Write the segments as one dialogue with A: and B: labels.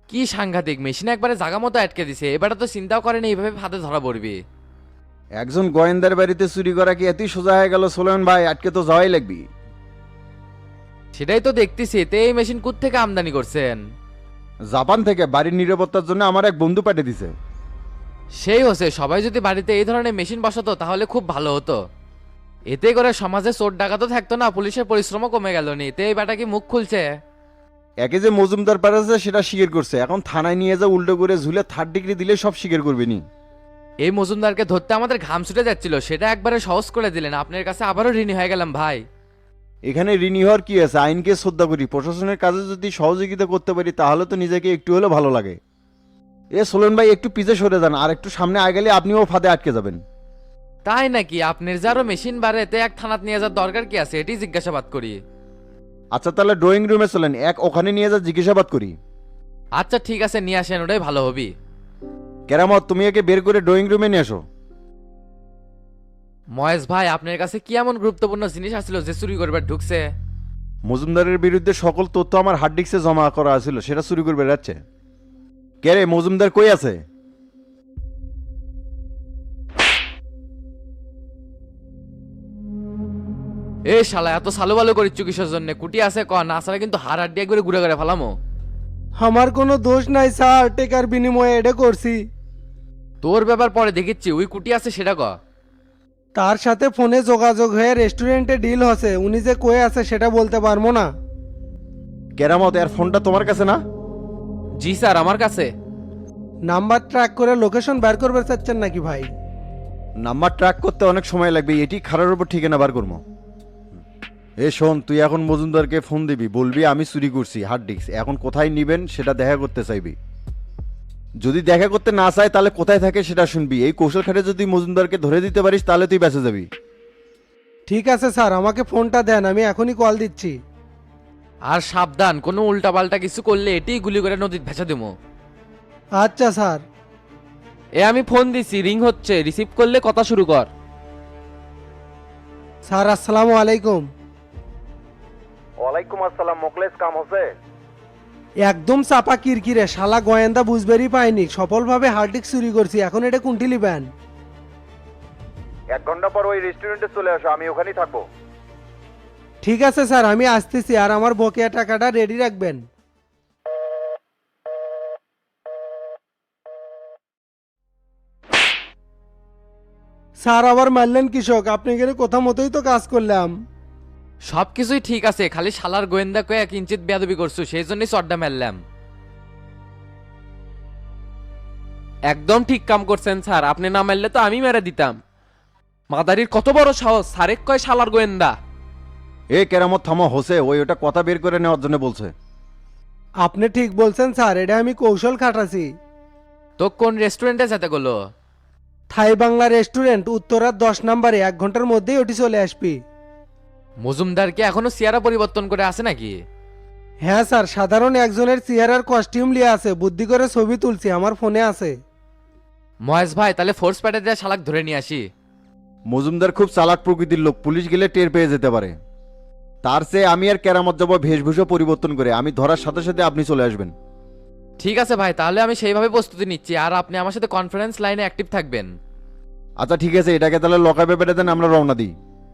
A: কি সাংঘাতিক মেশিন একবারে জাগা মতো আটকে দিছে, এবারে তো চিন্তাও করেনি এইভাবে ফাঁদে ধরা পড়বি।
B: একজন গোয়েন্দার বাড়িতে চুরি করা কি এতই সোজা হয়ে গেল সোলেমান ভাই? আটকে তো যাওয়াই লাগবি।
A: সেটাই তো দেখতেছি, তে এই মেশিন থেকে আমদানি করছেন?
B: জাপান থেকে বাড়ির নিরাপত্তার জন্য আমার এক বন্ধু পাঠিয়ে দিছে।
A: সেই হচ্ছে, সবাই যদি বাড়িতে এই ধরনের মেশিন বসাতো তাহলে খুব ভালো হতো। এতে করে সমাজে চোর ডাকাতও থাকতো না, পুলিশের পরিশ্রমও কমে গেল নি। তে এই বেটা কি মুখ খুলছে?
B: একে যে মজুমদার পারেছে সেটা স্বীকার করছে, এখন থানায় নিয়ে যা উল্টো করে ঝুলে 3rd ডিগ্রি দিলে সব স্বীকার করবে নি।
A: এই মজুমদারকে ধরতে আমাদের ঘাম ছুটে যাচ্ছিল, সেটা একবারে সহজ করে দিলেন। আপনার কাছে আবারও ঋণী হয়ে গেলাম ভাই।
B: এখানে ঋণী হওয়ার কি আছে? আইনকে শ্রদ্ধা করি, প্রশাসনের কাজে যদি সহযোগিতা করতে পারি তাহলে তো নিজেকে একটু হলেও ভালো লাগে। এ সোলেন ভাই একটু পিছে সরে যান, আর একটু সামনে আগেলে আপনিও ফাঁদে আটকে যাবেন।
A: তাই নাকি? আপনার যারও মেশিন বাড়েতে এক থানাত নিয়ে যাওয়ার দরকার কি আছে, এটি জিজ্ঞাসাবাদ করি।
B: আচ্ছা তাহলে ড্রয়িং রুমে চলেন, এক ওখানে নিয়ে যা জিজ্ঞাসাবাদ করি।
A: আচ্ছা ঠিক আছে, নিয়ে আসেন, ওটাই ভালো হবি।
B: কেরামত তুমি একে বের করে ড্রয়িং রুমে নিয়ে আসো।
A: মহেশ ভাই, আপনার কাছে কি এমন গুরুত্বপূর্ণ জিনিস আসছিল যে চুরি করবার ঢুকছে?
B: মজুমদারের বিরুদ্ধে সকল তথ্য আমার হার্ড ডিস্কে জমা করা ছিল, সেটা চুরি করে বেড়াচ্ছে। কে রে, মজুমদার কই আছে?
A: এ শালা, এত সালো বালো করিচ্ছ কিসের জন্য? কুটি আছে ক, না ছাড়া কিন্তু হাড় হাড্ডি একবারে ঘুরে ঘুরে ফেলামো।
C: আমার কোনো দোষ নাই স্যার, টেকার বিনিময়ে এটা করছি।
A: তোর ব্যাপার পরে দেখিচ্ছি, ওই কুটি আছে সেটা ক।
C: তার সাথে ফোনে যোগাযোগ হয়ে রেস্টুরেন্টে ডিল হচ্ছে, উনি যে কয়ে আছে সেটা বলতে পারবো না।
B: কেরামত এর ফোনটা তোমার কাছে না?
A: জি স্যার, আমার কাছে।
C: নাম্বার ট্র্যাক করে লোকেশন বের করবে চাচ্ছেন নাকি ভাই?
B: নাম্বার ট্র্যাক করতে অনেক সময় লাগবে, এটি খারার উপর ঠিকানা বার করবো। এ শোন, তুই এখন মজুমদারকে ফোন দিবি, বলবি আমি চুরি করছি হার্ড ডিস্ক, এখন কোথায় নিবেন সেটা দেখা করতে চাইবি। যদি দেখা করতে না চায় তাহলে কোথায় থাকে সেটা শুনবি। এই কৌশল খাটে যদি মজুমদারকে ধরে দিতে পারিস তাহলে তুই বেঁচে যাবি।
C: ঠিক আছে স্যার, আমাকে ফোনটা দেন, আমি এখনই কল দিচ্ছি।
A: আর সাবধান, কোনো উল্টাপাল্টা কিছু করলে এটিই গুলি করে নদীত ভেসে দেবো।
C: আচ্ছা স্যার।
A: এ আমি ফোন দিছি, রিং হচ্ছে, রিসিভ করলে কথা শুরু কর।
C: স্যার আসসালামু আলাইকুম।
B: ওয়ালাইকুম আসসালাম, মোকলেস কাম হচ্ছে?
C: একদম চাপা কিরকিরে, শালা গোয়েন্দা বুঝবেরই পাইনি, সফলভাবে হার্ড ডিস্ক চুরি করছি, এখন এটা কোনটি লিবেন?
B: 1 ঘন্টা পর ওই রেস্টুরেন্টে চলে আসো, আমি ওখানেই থাকবো।
C: ঠিক আছে স্যার, আমি আসতেছি, আর আমার বকেয়া টাকাটা রেডি রাখবেন। স্যার আবার মারলেন কৃষক, আপনি গেলে কথা মতোই তো কাজ করলাম।
A: সবকিছুই ঠিক আছে, খালি শালার গোয়েন্দা কয়ে কিঞ্চিত বেয়াদবি করছো, সেই জন্যই চড্ডা মারলাম।
D: একদম ঠিক কাম করছেন স্যার, আপনি না মারলে তো আমি মেরে দিতাম। মাদারির কত বড় সাহস, সারেক কয় শালার গোয়েন্দা।
B: এ কেরামত থামো, হোসে ওই ওটা কথা বের করে নেওয়ার জন্য বলছে।
C: আপনি ঠিক বলছেন স্যার, এটা আমি কৌশল খাটাছি।
A: তো কোন রেস্টুরেন্টে যেতে গেলো?
C: থাই বাংলা রেস্টুরেন্ট, উত্তরার 10 নম্বরে, 1 ঘন্টার মধ্যেই ওটি চলে আসবি।
A: মজুমদার কি এখনো চেহারা পরিবর্তন করে আছে নাকি?
C: হ্যাঁ স্যার, সাধারণ একজনের চেহারার কস্টিউম লিয়ে আছে, বুদ্ধি করে ছবি তুলছি, আমার ফোনে আছে।
A: মহেশ ভাই, তাহলে ফোর্স প্যাটে দিয়ে শালাক ধরে নিয়ে আসি।
B: মজুমদার খুব চালাক প্রকৃতির লোক, পুলিশ গেলে টের পেয়ে যেতে পারে। তার চেয়ে আমি আর কেরামত যাবো বেশভূষা পরিবর্তন করে, আমি ধরার সাথে সাথে আপনি চলে আসবেন।
A: ঠিক আছে ভাই, তাহলে আমি সেইভাবে প্রস্তুতি নিচ্ছি, আর আপনি আমার সাথে কনফারেন্স লাইনে অ্যাক্টিভ থাকবেন।
B: আচ্ছা ঠিক আছে, এটাকে তাহলে লকাপে পেটে দেন, আমরা রওনা দিই।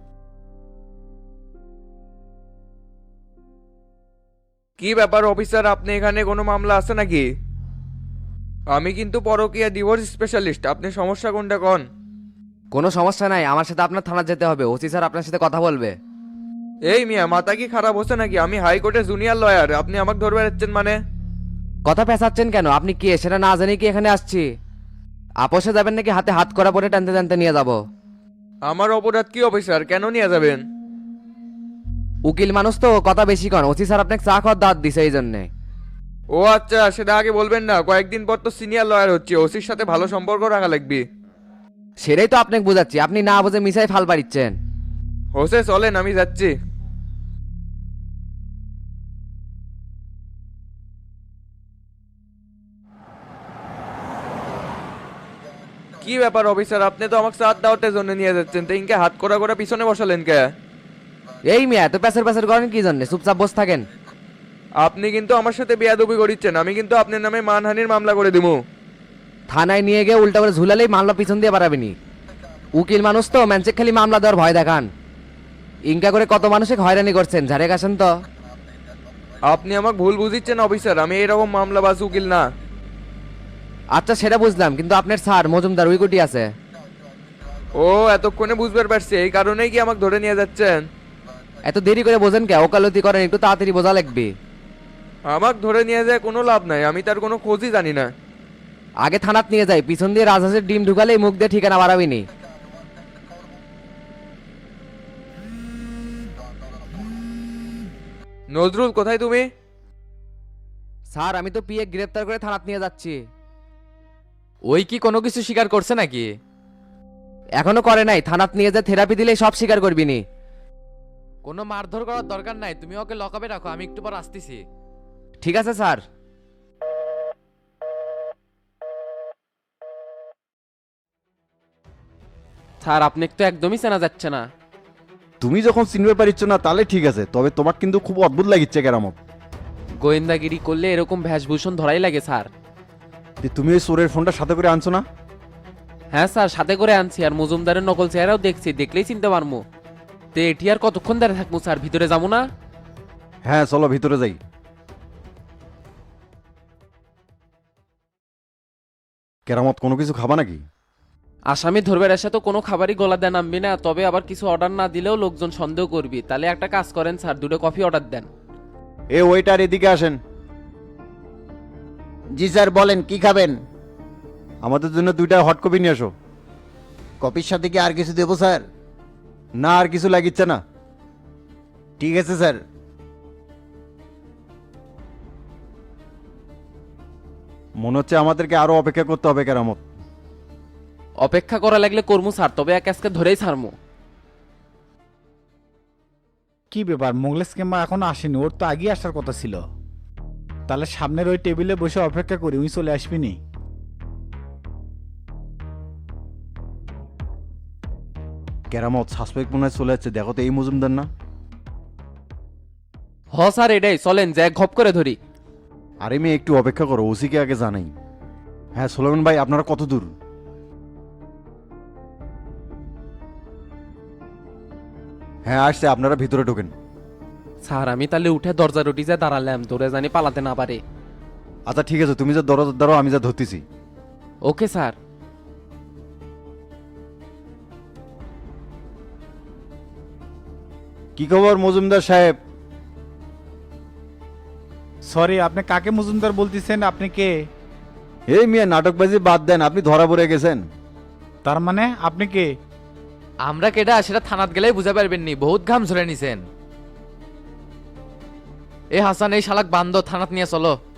E: কি ব্যাপার অফিসার, আপনি এখানে কোনো মামলা আছে নাকি? আমি কিন্তু পরকীয়া ডিভোর্স স্পেশালিস্ট, আপনি সমস্যা কোনটা কোন?
F: কোনো সমস্যা নাই, আমার সাথে আপনার থানা যেতে হবে, ওসি স্যার আপনার সাথে কথা বলবে।
E: এই মিয়া, মাথা কি খারাপ হচ্ছে নাকি? আমি হাইকোর্টে জুনিয়র লয়ার, আপনি আমাকে ধরবে যাচ্ছেন মানে?
F: কথা পেঁচাচ্ছেন কেন? আপনি কে সেটা না জানি কি এখানে আসছি? আপোষে যাবেন নাকি হাতে হাত করা পরে টানতে টানতে নিয়ে যাব?
E: আমার অপরাধ কি অফিসার, কেন নিয়ে যাবেন?
F: উকিল মানুষ তো কথা বেশি কন, ওসি স্যার আপনাকে চা খাওয়ার দাঁত দিছে এই জন্যে।
E: ও আচ্ছা, সেটা আগে বলবেন না? কয়েকদিন পর তো সিনিয়র লয়ার হচ্ছে, ওসির সাথে ভালো সম্পর্ক রাখা লাগবে।
F: সেটাই তো আপনাকে বোঝাচ্ছি, আপনি না বুঝে মিসাই ফাল পারিচ্ছেন।
E: হোসে চলেন, আমি যাচ্ছি। কি ব্যাপার অফিসার, আপনি তো আমাকে সাথ দাওয়াতের জন্য নিয়ে যাচ্ছেন, তো ইনকে হাত করা করে পিছনে বসালেন কে?
F: এই মিয়া, এত প্যাসের প্যাসের করেন কি জন্য? চুপচাপ বসে থাকেন।
E: আপনি কিন্তু আমার সাথে বেয়াদবি করিচ্ছেন, আমি কিন্তু আপনার নামে মানহানির মামলা করে দিব।
F: থানায় নিয়ে গিয়ে উল্টা করে ঝুলালেই মামলা পিছন দিয়ে পারাবেনি। উকিল মানুষ তো ম্যানচেক খালি মামলা দেওয়ার ভয় দেখান। ইনকা করে কত মানুষকে হয়রানি করছেন, ঝাড়ে কাছেন তো।
E: আপনি আমাকে ভুল বুঝিচ্ছেন অফিসার, আমি এরকম মামলাবাজ উকিল না।
F: আচ্ছা সেটা বুঝলাম, কিন্তু আপনার স্যার মজুমদার উইকুটি আছে।
E: ও এতক্ষণে বুঝতে পারছি, এই কারণেই কি আমাকে ধরে নিয়ে যাচ্ছেন?
F: এত দেরি করে বোঝেন কে? ওকালতি করেন, একটু তাড়াতাড়ি বোঝা লাগবে।
E: আমাকে ধরে নিয়ে যায় কোনো লাভ নাই, আমি তার কোনো খোঁজই জানি না।
F: আগে থানাত নিয়ে যাই, পিছন দিয়ে রাজহাঁসের ডিম ঢুকালেই মুখ দিয়ে ঠিকানা বাড়াবিনি।
E: নজরুল কোথায় তুমি?
F: স্যার আমি তো পিএ গ্রেপ্তার করে থানাত নিয়ে যাচ্ছি।
A: ওই কি কোনো কিছু স্বীকার করছে নাকি?
F: এখনো করে নাই, থানাত নিয়ে যা থেরাপি দিলেই সব স্বীকার করবিনি।
A: কোনো মারধর করার দরকার নাই, তুমি ওকে লকআপে রাখো, আমি একটু পর আসতেছি।
F: ঠিক আছে স্যার।
D: স্যার আপনি তো একদমই চেনা যাচ্ছে না।
B: তুমি যখন চিনতে পারিচ্ছ না তাহলে ঠিক আছে, তবে তোমার কিন্তু খুব অদ্ভুত লাগিচ্ছে কেরামত।
D: গোয়েন্দাগিরি করলে এরকম ভেষভূষণ ধরাই লাগে স্যার।
B: যে তুমি ওই চোরের ফোনটা সাথে করে আনছো না?
D: হ্যাঁ স্যার, সাথে করে আনছি, আর মজুমদারের নকল চেহারাও দেখছি, দেখলেই চিনতে পারবো। তে এটি আর কতক্ষণ দাঁড়িয়ে থাকবো স্যার, ভিতরে যাবো না?
B: হ্যাঁ চলো ভিতরে যাই। কেরামত কোনো কিছু খাবা নাকি?
D: আসামি ধরবে এসে তো কোনো খাবারই গলা দেন নামবি না, তবে আবার কিছু অর্ডার না দিলেও লোকজন সন্দেহ করবি। তাহলে একটা কাজ করেন স্যার, দুটো কফি অর্ডার দেন।
B: এ ওইটার এদিকে আসেন।
G: জি স্যার বলেন কি খাবেন?
B: আমাদের জন্য 2টা হট কপি নিয়ে আসো।
G: কফির সাথে কি আর কিছু দেবো স্যার?
B: না আর কিছু লাগিচ্ছে না।
G: ঠিক আছে স্যার।
B: মনে হচ্ছে আমাদেরকে আরো অপেক্ষা করতে হবে কেরামত।
D: অপেক্ষা করা লাগলে কর্মু স্যার, তবে এক আজকে ধরেই ছাড়মু।
H: কি ব্যাপার, মোগলেস কিংবা এখনো আসেনি? ওর তো আগেই আসার কথা ছিল। তাহলে সামনের ওই টেবিলে বসে অপেক্ষা করি, উনি চলে আসবি নি।
B: কেরামত সাসপেক্ট মনে হয় চলে যাচ্ছে, দেখো তো এই মজুমদার না?
D: হ স্যার এটাই, চলেন যে ঘপ করে ধরি।
B: আরে মেয়ে একটু অপেক্ষা করো, ওসিকে আগে জানাই। হ্যাঁ সোলেমান ভাই আপনারা কত দূর? হ্যাঁ আসছে, আপনারা ভিতরে ঢোকেন।
D: স্যার আমি তাহলে উঠে দরজা রুটি যা দাঁড়ালাম, তোরে জানি পালাতে না পারে।
B: আচ্ছা ঠিক আছে, তুমি যা দরজার দ্বারো, আমি যা ধরতেছি।
D: Okay sir.
B: কি খবর মজুমদার সাহেব?
H: সরি, আপনি কাকে মজুমদার বলতেছেন? আপনি কে?
B: এই মিয়া নাটকবাজি বাদ দেন, আপনি ধরা পড়ে গেছেন।
H: তার মানে আপনি কে?
A: আমরা কেডা সেটা থানাত গেলেই বুঝা পারবেন নি, বহুত ঘাম ঝরে নিছেন। এ হাসান, এই শালাক বান্ধব থানাত নিয়ে চলো।